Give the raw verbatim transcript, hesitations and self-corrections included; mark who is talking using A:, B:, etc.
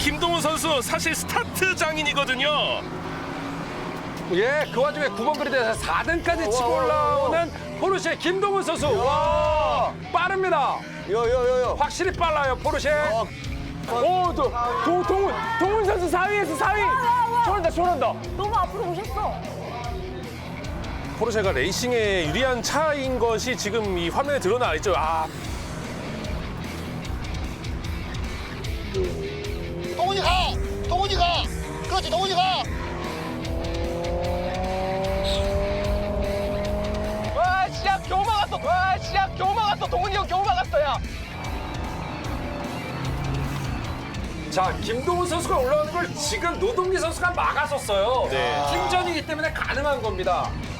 A: 김동훈 선수 사실 스타트 장인이거든요.
B: 예, 그 와중에 구 번 그리드에서 사 등까지 치고 올라오는 포르쉐 김동훈 선수. 와, 빠릅니다.
C: 요요요요.
B: 확실히 빨라요, 포르쉐.
D: 오, 또, 도, 동훈, 동훈 선수 사 위에서 사 위. 저런다, 저런다.
E: 너무 앞으로 오셨어.
A: 포르쉐가 레이싱에 유리한 차인 것이 지금 이 화면에 드러나 있죠. 아,
C: 동훈이 가. 동훈이 가. 그렇지 동훈이 가.
D: 와, 진짜 겨우 막았어. 와, 진짜 겨우 막았어. 동훈이 형 겨우 막았어, 야.
B: 자, 김동훈 선수가 올라오는 걸 지금 노동기 선수가 막아섰어요.
A: 네.
B: 팀전이기 때문에 가능한 겁니다.